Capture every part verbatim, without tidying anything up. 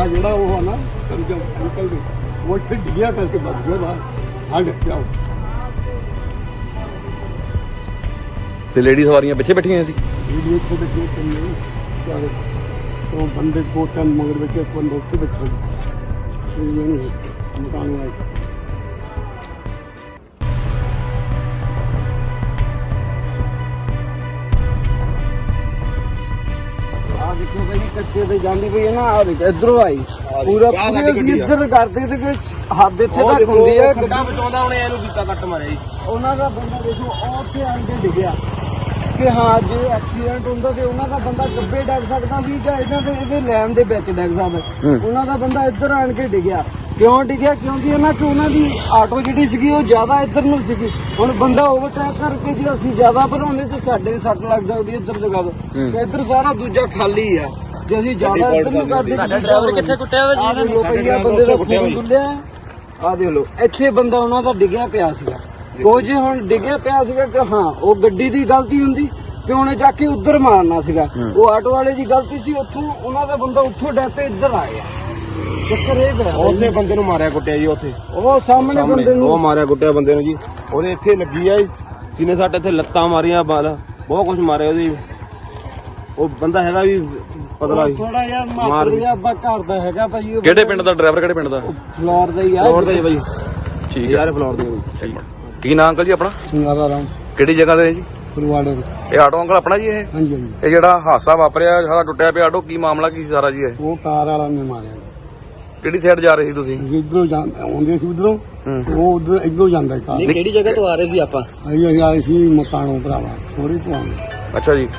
ਜਿਹੜਾ ਉਹ ਨਾ ਅੰਕਲ ਦੇ ਉਹ ਇੱਥੇ ਡਿੱਗਿਆ ਕਰਕੇ ਬਚ ਗਿਆ ਬਾਹਰ ਆ ਡਿੱਗਿਆ ਤੇ ਲੇਡੀ ਸਵਾਰੀਆਂ ਪਿੱਛੇ ਬੈਠੀਆਂ ਸੀ ਇਹ ਇੱਥੇ ਬੈਠੇ ਕਿੰਨੇ ਚਾਰੇ ਉਹ ਬੰਦੇ ਦੋ ਤਿੰਨ ਮਗਰ ਵਿੱਚ ਇੱਕ ਬੰਦਾ ਉੱਥੇ ਬੈਠਾ ਸੀ ਇਹ ਜਣੇ ਮਕਾਨ ਵਾਲੇ देखो भाई कच्चे से जाती पई है ना इधरों आई पूरा इधर करते थे कि हद इत्थे तक हुंदी है गड्डा बचाउंदा ਉਹਨੇ ਇਹਨੂੰ ਕੀਤਾ ਕੱਟ ਮਾਰਿਆ ਜੀ ਉਹਨਾਂ ਦਾ ਬੰਦਾ ਦੇਖੋ ਉਹ ਉੱਥੇ ਆਣ ਕੇ ਡਿੱਗਿਆ ਕਿ ਹਾਂ ਜੇ ਐਕਸੀਡੈਂਟ ਹੁੰਦਾ ਤੇ ਉਹਨਾਂ ਦਾ ਬੰਦਾ ਗੱਬੇ ਡਿੱਗ ਸਕਦਾ ਵੀ ਜਾਂ ਇਹਨਾਂ ਦੇ ਇਹਦੇ ਲੈਣ ਦੇ ਵਿੱਚ ਡਿੱਗ ਸਕਦਾ ਉਹਨਾਂ ਦਾ ਬੰਦਾ ਇੱਧਰ ਆਣ ਕੇ ਡਿੱਗਿਆ ਕਿਉਂ ਡਿੱਗਿਆ ਕਿਉਂਕਿ ਉਹਨਾਂ ਚ ਉਹਨਾਂ ਦੀ ਆਟੋ ਜਿਹੜੀ ਸੀਗੀ ਉਹ ਜ਼ਿਆਦਾ ਇੱਧਰ ਨੂੰ ਸੀਗੀ ਹੁਣ ਬੰਦਾ ਓਵਰਟੇਕ ਕਰਕੇ ਜੇ ਅਸੀਂ ਜ਼ਿਆਦਾ ਭਰਾਉਂਦੇ ਤੇ ਸਾਡੇ ਸੱਟ ਲੱਗ ਸਕਦੀ ਇੱਧਰ ਜਗ੍ਹਾ ਤੇ ਇੱਧਰ ਸਾਰਾ ਦੂਜਾ ਖਾਲੀ ਆ ਜੇ ਅਸੀਂ ਜ਼ਿਆਦਾ ਇੱਧਰ ਨੂੰ ਕਰਦੇ ਡਰਾਈਵਰ ਕਿੱਥੇ ਕੁੱਟਿਆ ਹੋਇਆ ਜੀ ਇਹਨਾਂ ਨੇ ਬੰਦੇ ਦਾ ਖੂਨ ਡੁੱਲਿਆ ਆ ਦੇਖ ਲਓ ਇੱਥੇ ਬੰਦਾ ਉਹਨਾਂ ਦਾ ਡਿੱਗਿਆ ਪਿਆ ਸੀਗਾ ਕੁਝ ਹੁਣ ਡਿੱਗਿਆ ਪਿਆ ਸੀਗਾ ਕਿ ਹਾਂ ਉਹ ਗੱਡੀ ਦੀ ਗਲਤੀ ਹੁੰਦੀ ਕਿ ਉਹਨੇ ਜਾ ਕੇ ਉੱਧਰ ਮਾਰਨਾ ਸੀਗਾ ਉਹ ਆਟੋ ਵਾਲੇ ਦੀ ਗਲਤੀ ਸੀ ਉੱਥੋਂ ਉਹਨਾਂ ਦਾ ਬੰਦਾ ਉੱਥੋਂ ਡੈਪੇ ਇੱਧਰ ਆ ਗਿਆ ਚੱਕਰ ਇਹ ਪਿਆ ਉਹਨੇ ਬੰਦੇ ਨੂੰ ਮਾਰਿਆ ਕੁੱਟਿਆ ਜੀ ਉੱਥੇ ਉਹ ਸਾਹਮਣੇ ਬੰਦੇ ਨੂੰ ਉਹ ਮਾਰਿਆ ਕੁੱਟਿਆ ਬੰਦੇ ਨੂੰ ਜੀ ਉਹਦੇ ਇੱਥੇ ਲੱਗੀ ਆ ਜੀ ਜਿਹਨੇ ਸਾਡੇ ਇੱਥੇ ਲੱਤਾਂ ਮਾਰੀਆਂ ਬਾਲ ਬਹੁਤ ਕੁਝ ਮਾਰਿਆ ਉਹਦੀ ਉਹ ਬੰਦਾ ਹੈਗਾ ਵੀ ਪਤਲਾ ਥੋੜਾ ਜਿਹਾ ਮਾਰ ਗਿਆ ਅੱਬਾ ਘਰ ਦਾ ਹੈਗਾ ਭਾਈ ਕਿਹੜੇ ਪਿੰਡ ਦਾ ਡਰਾਈਵਰ ਕਿਹੜੇ ਪਿੰਡ ਦਾ ਫਲੋਰ ਦਾ ਹੀ ਆ ਫਲੋਰ ਦਾ ਹੀ ਭਾਈ ਠੀਕ ਯਾਰ ਫਲੋਰ ਦਾ ਕੀ ਨਾਮ ਅੰਕਲ ਜੀ ਆਪਣਾ ਸਿੰਗਾਰਾ ਰਾਮ ਕਿਹੜੀ ਜਗ੍ਹਾ ਤੇ ਜੀ ਫਰਵਾੜੇ ਇਹ ਆਟੋ ਅੰਕਲ ਆਪਣਾ ਜੀ ਇਹ ਹਾਂਜੀ ਹਾਂਜੀ ਇਹ ਜਿਹੜਾ ਹਾਦਸਾ ਵਾਪਰਿਆ ਸਾਰਾ ਟੁੱਟਿਆ ਪਿਆ ਆਟੋ ਕੀ ਮਾਮਲਾ ਕੀ ਸੀ ਸਾਰਾ ਜੀ ਇਹ ਉਹ ਕਾਰ ਵਾਲਾ ਨੇ ਮਾਰਿਆ ਕਿਹੜੀ ਸਾਈਡ ਜਾ ਰਹੇ ਸੀ ਤੁਸੀਂ ਇਧਰੋਂ ਆਉਂਦੇ ਸੀ ਉਧਰੋਂ ਉਹ ਉਧਰ ਇਧਰੋਂ ਜਾਂਦਾ ਕਾਰ ਨਹੀਂ ਕਿਹੜੀ ਜਗ੍ਹਾ ਤੋਂ ਆ ਰਹੇ ਸੀ ਆਪਾਂ ਅਸੀਂ ਆਏ ਸੀ ਮਕਾਨੋਂ ਭਰਾਵਾ ਥੋੜੀ ਤੋਂ ਆਉਂਦੇ ਅੱਛਾ ਜੀ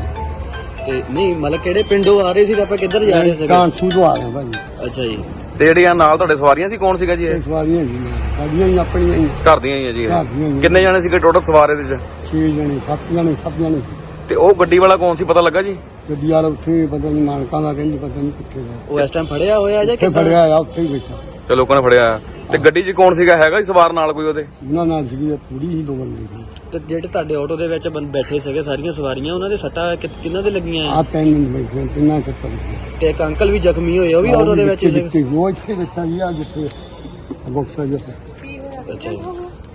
ਤੇ ਨਹੀਂ ਮਤਲਬ ਕਿਹੜੇ ਪਿੰਡੋਂ ਆ ਰਹੇ ਸੀ ਤੇ ਆਪਾਂ ਕਿੱਧਰ ਜਾ ਰਹੇ ਸੀਗੇ ਕਾਂਸੂ ਤੋਂ ਆ ਰਹੇ ਭਾਈ ਅੱਛਾ ਜੀ ਤੇ ਜਿਹੜੀਆਂ ਨਾਲ ਤੁਹਾਡੇ ਸਵਾਰੀਆਂ ਸੀ ਕੌਣ ਸੀਗਾ ਜੀ ਇਹ ਸਵਾਰੀਆਂ ਜੀ ਸਾਡੀਆਂ ਹੀ ਆਪਣੀਆਂ ਹੀ ਘਰ ਦੀਆਂ ਹੀ ਆ ਜੀ ਇਹ ਘਰ ਦੀਆਂ ਹੀ ਕਿੰਨੇ ਜਾਣੇ ਸੀਗੇ ਟੋਟਲ ਸਵਾਰ ਇਹਦੇ ਚ ਛੇ ਜਣੇ ਸੱਤ ਜਣੇ ਸੱਤ ਜਣੇ ਤੇ ਉਹ ਗੱਡੀ ਵਾਲਾ ਕੌਣ ਸੀ ਪਤਾ ਲੱਗਾ ਜੀ ਗੱਡੀ ਵਾਲਾ ਉੱਥੇ ਪਤਾ ਨਹੀਂ ਮਾਲਕਾਂ ਦਾ ਕਹਿੰਦੀ ਪਤਾ ਨਹੀਂ ਕਿੱਥੇ ਦਾ ਉਹ ਇਸ ਟਾਈਮ ਫੜਿਆ ਹੋਇਆ ਜਾਂ ਕਿੱਥੇ ਫੜਿਆ ਆ ਉੱਥੇ ਹੀ ਬੈਠਾ ਤੇ ਲੋਕਾਂ ਨੇ ਫੜਿਆ ਤੇ ਗੱਡੀ 'ਚ ਕੌਣ ਸੀਗਾ ਹੈਗਾ ਜੀ ਸਵਾਰ ਨਾਲ ਕੋਈ ਉਹਦੇ ਉਹਨਾਂ ਨਾਲ ਸੀਗੀ ਪੂਰੀ ਹੀ ਦੋ ਬੰਦੇ ਸੀ ਤੇ ਜਿਹੜੇ ਤੁਹਾਡੇ ਆਟੋ ਦੇ ਵਿੱਚ ਬੰ- ਬੈਠੇ ਸੀਗੇ ਸਾਰੀਆਂ ਸਵਾਰੀਆਂ ਉਹਨਾਂ ਦੇ ਸੱਟਾਂ ਕਿ- ਕਿਹਨਾਂ ਦੇ ਲੱਗੀਆਂ ਆ ਤਿੰਨ ਮਿੰਟ ਬੈਠੇ ਤਿੰਨਾਂ ਚੱਕਰ ਤੇ ਇੱਕ ਅੰਕਲ ਵੀ ਜ਼ਖਮੀ ਹੋਏ ਉਹ ਵੀ ਆਟੋ ਦੇ ਵਿੱਚ ਹੀ ਸੀਗੇ ਉਹ ਇੱਥੇ ਬੈਠਾ ਜੀ ਆ ਜਿੱਥੇ ਬਕਸਾ ਜਿੱਥੇ ਅੱਛਾ ਜੀ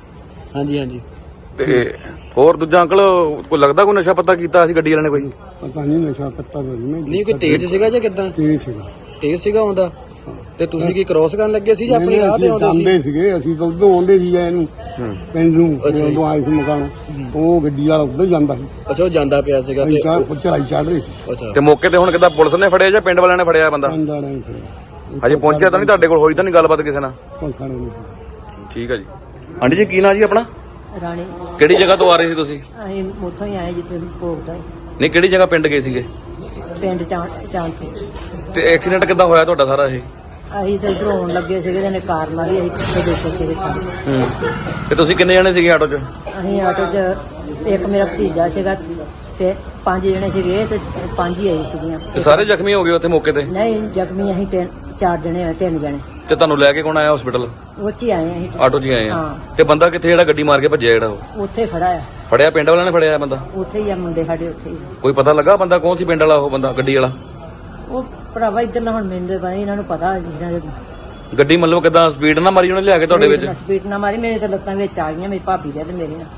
ਹਾਂਜੀ ਹਾਂਜੀ ਤੇ ਹੋਰ ਦੂਜਾ ਅੰਕਲ ਕੋਈ ਲੱਗਦਾ ਕੋਈ ਨਸ਼ਾ ਪੱਤਾ ਕੀਤਾ ਸੀ ਗੱਡੀ ਵਾਲੇ ਨੇ ਕੋਈ ਪਤਾ ਨਹੀਂ ਨਸ਼ਾ ਪੱਤਾ ਦਾ ਨਹੀਂ ਨਹੀਂ ਕੋਈ ਤੇਜ਼ ਸੀਗਾ ਜਾਂ ਕਿੱਦਾਂ ਤੇਜ਼ ਸੀਗਾ ਤੇਜ਼ ਸੀਗਾ ਆਉਂਦਾ ਤੇ ਤੁਸੀਂ ਕੀ ਕ੍ਰੋਸ ਕਰਨ ਲੱਗੇ ਸੀ ਜਾਂ ਆਪਣੀ ਰਾਹ ਤੇ ਆਉਂਦੇ ਸੀ ਜਾਂਦੇ ਸੀਗੇ ਅਸੀਂ ਤਾਂ ਉਧਰੋਂ ਆਉਂਦੇ ਸੀ ਇਹਨੂੰ ਪਿੰਡ ਨੂੰ ਜਦੋਂ ਆਏ ਸੀ ਮਕਾਨ ਉਹ ਗੱਡੀ ਵਾਲਾ ਉੱਧਰ ਜਾਂਦਾ ਸੀ ਅੱਛਾ ਉਹ ਜਾਂਦਾ ਪਿਆ ਸੀਗਾ ਤੇ ਉਹ ਚੜਾਈ ਚੜ ਰਹੀ ਸੀ ਅੱਛਾ ਤੇ ਮੌਕੇ ਤੇ ਹੁਣ ਕਿੱਦਾਂ ਪੁਲਿਸ ਨੇ ਫੜਿਆ ਜਾਂ ਪਿੰਡ ਵਾਲਿਆਂ ਨੇ ਫੜਿਆ ਬੰਦਾ ਪਿੰਡ ਵਾਲਿਆਂ ਨੇ ਫੜਿਆ ਹਜੇ ਪਹੁੰਚਿਆ ਤਾਂ ਨਹੀਂ ਤੁਹਾਡੇ ਕੋਲ ਹੋਈ ਤਾਂ ਨਹੀਂ ਗੱਲਬਾਤ ਕਿਸੇ ਨਾਲ ਕੋਈ ਖਾਣੇ ਨਹੀਂ ਠੀਕ ਆ ਜੀ ਆਂਟੀ ਜੀ ਕੀ ਨਾਂ ਜੀ ਆਪਣਾ ਰਾਣੀ ਕਿਹੜੀ ਜਗ੍ਹਾ ਤੋਂ ਆ ਰਹੇ ਸੀ ਤੁਸੀਂ ਅਸੀਂ ਉੱਥੋਂ ਹੀ ਆਏ ਜਿੱਥੇ ਭੋਗਦਾ ਨਹੀਂ ਕਿਹੜੀ ਜਗ੍ਹਾ ਪਿੰਡ ਗਏ ਸੀਗੇ ਪਿੰਡ ਚਾਂਚੇ ਤੇ ਐਕਸੀਡੈਂਟ ਕਿੱਦਾਂ ਹੋਇਆ ਤੁਹਾਡਾ ਸਾਰਾ ਇਹ ਅਸੀਂ ਤਾਂ ਇੱਧਰੋਂ ਆਉਣ ਲੱਗੇ ਸੀਗੇ ਤੇ ਕਾਰ ਮਾਰੀ ਅਸੀਂ ਪਿੱਛੇ ਬੈਠੇ ਸੀਗੇ ਸਾਰੇ ਹੂੰ ਤੇ ਤੁਸੀਂ ਕਿੰਨੇ ਜਣੇ ਸੀਗੇ ਆਟੋ 'ਚ ਅਸੀਂ ਆਟੋ 'ਚ ਇੱਕ ਮੇਰਾ ਭਤੀਜਾ ਸੀਗਾ ਤੇ ਪੰਜ ਜਣੇ ਸੀਗੇ ਤੇ ਪੰਜ ਹੀ ਆਈ ਸੀਗੀਆਂ ਤੇ ਸਾਰੇ ਜ਼ਖਮੀ ਹੋ ਗਏ ਉੱਥੇ ਮੌਕੇ ਤੇ ਨਹੀਂ ਜ਼ਖਮੀ ਅਸੀਂ ਤਿੰਨ ਚਾਰ ਜਣੇ ਆ ਤਿੰਨ ਜਣੇ ਤੇ ਤੁਹਾਨੂੰ ਲੈ ਕੇ ਕੌਣ ਆਇਆ ਹਸਪੀਟਲ ਉਹ 'ਚ ਹੀ ਆਏ ਅਸੀਂ ਆਟੋ 'ਚ ਹੀ ਆਏ ਆ ਹਾਂ। ਤੇ ਬੰਦਾ ਕਿੱਥੇ ਜਿਹੜਾ ਗੱਡੀ ਮਾਰ ਕੇ ਭੱਜਿਆ ਜਿਹੜਾ ਉਹ ਉੱਥੇ ਖੜਾ ਆ ਫੜਿਆ ਪਿੰਡ ਵਾਲਿਆਂ ਨੇ ਫੜਿਆ ਬੰਦਾ ਉੱਥੇ ਹੀ ਆ ਮੁੰਡੇ ਸਾਡੇ ਉੱਥੇ ਹੀ ਕੋਈ ਪਤਾ ਲੱਗਾ ਬੰਦਾ ਕੌਣ ਸੀ ਪਿੰਡ ਵਾਲਾ ਉਹ ਬੰਦਾ ਗੱਡੀ ਵਾਲਾ ਉਹ ਭਰਾਵਾ ਇੱਧਰ ਨਾ ਹੁਣ ਮੈਨੂੰ ਤਾਂ ਪਤਾ ਨੀ, ਇਹਨਾਂ ਨੂੰ ਪਤਾ ਜਿਹਨਾਂ ਦੇ ਗੱਡੀ ਮਤਲਬ ਕਿਦਾਂ ਸਪੀਡ ਨਾ ਮਾਰੀ ਉਹਨੇ ਲਿਆ ਕੇ ਤੁਹਾਡੇ ਵਿੱਚ ਸਪੀਡ ਨਾ ਮਾਰੀ ਮੇਰੇ ਤਾਂ ਲੱਤਾਂ ਵਿੱਚ ਆ ਗਈਆਂ ਮੇਰੀ ਭਾਬੀ ਦੇ ਤੇ ਮੇਰੇ ਨਾਲ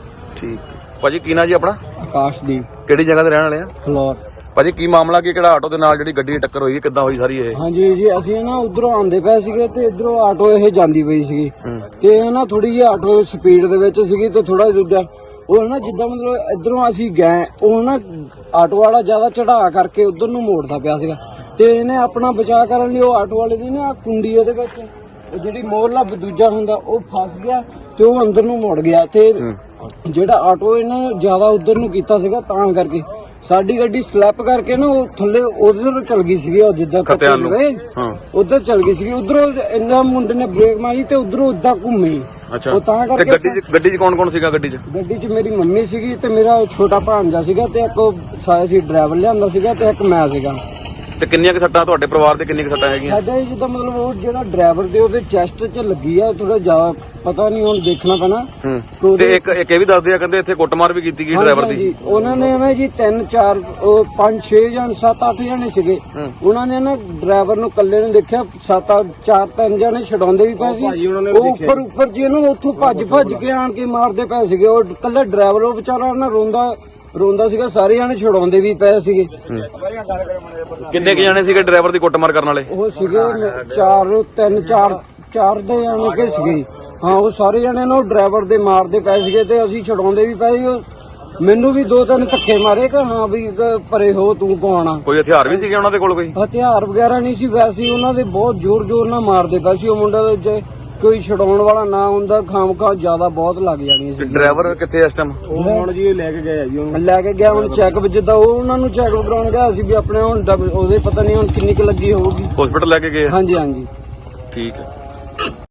ਠੀਕ ਭਾਜੀ ਕੀ ਨਾਂ ਜੀ ਆਪਣਾ ਆਕਾਸ਼ਦੀਪ ਕਿਹੜੀ ਜਗ੍ਹਾ ਤੇ ਰਹਿਣ ਵਾਲੇ ਆ ਫਲੋਰ ਭਾਜੀ ਕੀ ਮਾਮਲਾ ਕੀ ਕਿਹੜਾ ਆਟੋ ਦੇ ਨਾਲ ਜਿਹੜੀ ਗੱਡੀ ਦੀ ਟੱਕਰ ਹੋਈ ਕਿੱਦਾਂ ਹੋਈ ਸਾਰੀ ਇਹ ਹਾਂਜੀ ਜੀ ਅਸੀਂ ਨਾ ਉਧਰੋਂ ਆਉਂਦੇ ਪਏ ਸੀਗੇ ਤੇ ਇਧਰੋਂ ਆਟੋ ਇਹ ਜਾਂਦੀ ਪਈ ਸੀਗੀ ਤੇ ਇਹ ਨਾ ਥੋੜੀ ਜਿਹੀ ਆਟੋ ਸਪੀਡ ਦੇ ਵਿੱਚ ਸੀਗੀ ਤੇ ਥੋੜਾ ਦੂਜਾ ਉਹ ਨਾ ਜਿੱਦਾਂ ਮਤਲਬ ਇਧਰੋਂ ਅਸੀਂ ਗਏ ਉਹ ਨਾ ਆਟੋ ਵਾਲਾ ਜ਼ਿਆਦਾ ਚੜਾ ਕਰਕੇ ਉਧਰ ਨੂੰ ਮੋੜਦਾ ਪਿਆ ਸੀਗਾ ਤੇ ਇਹਨੇ ਆਪਣਾ ਬਚਾਅ ਕਰਨ ਲਈ ਉਹ ਆਟੋ ਵਾਲੇ ਦੀ ਨਾ ਕੁੰਡੀ ਉਹਦੇ ਵਿੱਚ ਉਹ ਜਿਹੜੀ ਮੋਰਲਾ ਦੂਜਾ ਹੁੰਦਾ ਉਹ ਫਸ ਗਿਆ ਤੇ ਉਹ ਅੰਦਰ ਨੂੰ ਮੁੜ ਗਿਆ ਤੇ ਜਿਹੜਾ ਆਟੋ ਇਹਨੇ ਜ਼ਿਆਦਾ ਉਧਰ ਨੂੰ ਕੀਤਾ ਸੀਗਾ ਤਾਂ ਕਰਕੇ ਸਾਡੀ ਗੱਡੀ ਸਲੈਪ ਕਰਕੇ ਨਾ ਉਹ ਥੱਲੇ ਉਧਰ ਚਲ ਗਈ ਸੀਗੀ ਉਹ ਜਿੱਦਾਂ ਕੱਟੇ ਗਏ ਉਧਰ ਚਲ ਗਈ ਸੀਗੀ ਉਧਰੋਂ ਇੰਨਾ ਮੁੰਡੇ ਨੇ ਬ੍ਰੇਕ ਮਾਰੀ ਤੇ ਉਧਰੋਂ ਉਦਾਂ ਘੁੰਮੀ ਅੱਛਾ ਉਹ ਤਾਂ ਤੇ ਕਰਕੇ ਗੱਡੀ 'ਚ ਗੱਡੀ 'ਚ ਕੌਣ ਕੌਣ ਸੀਗਾ ਗੱਡੀ 'ਚ ਗੱਡੀ 'ਚ ਮੇਰੀ ਮੰਮੀ ਸੀਗੀ ਤੇ ਮੇਰਾ ਛੋਟਾ ਭਾਂਜਾ ਸੀਗਾ ਤੇ ਇੱਕ ਸਾਇਆ ਸੀ ਡਰਾਈਵਰ ਲਿਆਂਦਾ ਸੀਗਾ ਤੇ ਇੱਕ ਮੈਂ ਸੀਗਾ ਤੇ ਕਿੰਨੀਆਂ ਕੁ ਸੱਟਾਂ ਤੁਹਾਡੇ ਪਰਿਵਾਰ ਦੇ ਕਿੰਨੀਆਂ ਕੁ ਸੱਟਾਂ ਹੈਗੀਆਂ? ਸਾਡੇ ਜਿੱਦਾਂ ਮਤਲਬ ਉਹ ਜਿਹੜਾ ਡਰਾਈਵਰ ਦੇ ਉਹਦੇ ਚੈਸਟ 'ਚ ਲੱਗੀ ਆ ਥੋੜਾ ਜ਼ਿਆਦਾ, ਪਤਾ ਨਹੀਂ ਹੁਣ ਦੇਖਣਾ ਪੈਣਾ। ਹੂੰ ਤੇ ਇੱਕ ਇੱਕ ਇਹ ਵੀ ਦੱਸਦੇ ਆ ਕਹਿੰਦੇ ਇੱਥੇ ਕੁੱਟਮਾਰ ਵੀ ਕੀਤੀ ਗਈ ਡਰਾਈਵਰ ਦੀ। ਹਾਂਜੀ, ਉਹਨਾਂ ਨੇ ਐਵੇਂ ਜੀ ਤਿੰਨ ਚਾਰ ਉਹ ਪੰਜ ਛੇ ਜਣ ਸੱਤ ਅੱਠ ਜਣੇ ਸੀਗੇ। ਉਹਨਾਂ ਨੇ ਨਾ ਡਰਾਈਵਰ ਨੂੰ ਇਕੱਲੇ ਨੂੰ ਦੇਖਿਆ, ਸੱਤ ਚਾਰ ਤਿੰਨ ਜਣੇ ਛਡਾਉਂਦੇ ਵੀ ਪਏ ਸੀ। ਉਹ ਉੱਪਰ ਉੱਪਰ ਜੀ ਇਹਨੂੰ ਉੱਥੋਂ ਭੱਜ ਭੱਜ ਕੇ ਆਣ ਕੇ ਮਾਰਦੇ ਪਏ ਸੀਗੇ। ਉਹ ਇਕੱਲਾ ਡਰਾਈਵਰ ਉਹ ਵਿਚਾਰਾ ਨਾ ਰੋਂਦਾ ਰੋਂਦਾ ਸੀਗਾ, ਸਾਰੇ ਜਣੇ ਛਡਾਉਂਦੇ ਵੀ ਪਏ ਸੀਗੇ। ਕਿੰਨੇ ਕੁ ਜਾਣੇ ਸੀਗੇ ਡਰਾਈਵਰ ਦੀ ਕੁੱਟਮਾਰ ਕਰਨ ਵਾਲੇ? ਉਹ ਸੀਗੇ ਚਾਰ ਤਿੰਨ ਚਾਰ ਚਾਰ ਦੇ ਜਾਣੇ ਕੇ ਸੀਗੇ। ਹਾਂ, ਉਹ ਸਾਰੇ ਜਣੇ ਨੂੰ ਡਰਾਈਵਰ ਦੇ ਮਾਰਦੇ ਪਏ ਸੀਗੇ ਤੇ ਅਸੀਂ ਛਡਾਉਂਦੇ ਵੀ ਪਏ ਸੀ। ਮੈਨੂੰ ਵੀ ਦੋ ਤਿੰਨ ਧੱਕੇ ਮਾਰੇ ਕਿ ਹਾਂ ਵੀ ਪਰੇ ਹੋ, ਤੂੰ ਕੌਣ ਆ। ਕੋਈ ਹਥਿਆਰ ਵੀ ਸੀਗੇ ਉਹਨਾਂ ਦੇ ਕੋਲ? ਕੋਈ ਹਥਿਆਰ ਵਗੈਰਾ ਨਹੀਂ ਸੀ, ਵੈਸੇ ਉਹਨਾਂ ਦੇ ਬਹੁਤ ਜ਼ੋਰ ਜ਼ੋਰ ਨਾਲ ਮਾਰਦੇ ਪਏ ਸੀ। ਉਹ ਮੁੰਡਾ ਜੇ ਕੋਈ ਛਡਾਉਣ ਵਾਲਾ ਨਾ ਹੁੰਦਾ ਖਾਮਖਾ ਜ਼ਿਆਦਾ ਬਹੁਤ ਲੱਗ ਜਾਣੀ ਸੀ। ਡਰਾਈਵਰ ਕਿੱਥੇ ਇਸ ਟਾਈਮ? ਉਹ ਹੁਣ ਜੀ ਲੈ ਕੇ ਗਏ ਜੀ, ਉਹਨੂੰ ਲੈ ਕੇ ਗਿਆ ਹੁਣ ਚੈੱਕ ਜਿੱਦਾਂ ਉਹ ਉਹਨਾਂ ਨੂੰ ਚੈੱਕ ਕਰਾਉਣ ਗਿਆ ਸੀ ਵੀ ਆਪਣੇ ਹੁਣ ਉਹਦੇ ਪਤਾ ਨਹੀਂ ਹੁਣ ਕਿੰਨੀ ਕੁ ਲੱਗੀ ਹੋਊਗੀ। ਹਸਪੀਟਲ ਲੈ ਕੇ ਗਏ? ਹਾਂਜੀ ਹਾਂਜੀ ਠੀਕ ਹੈ।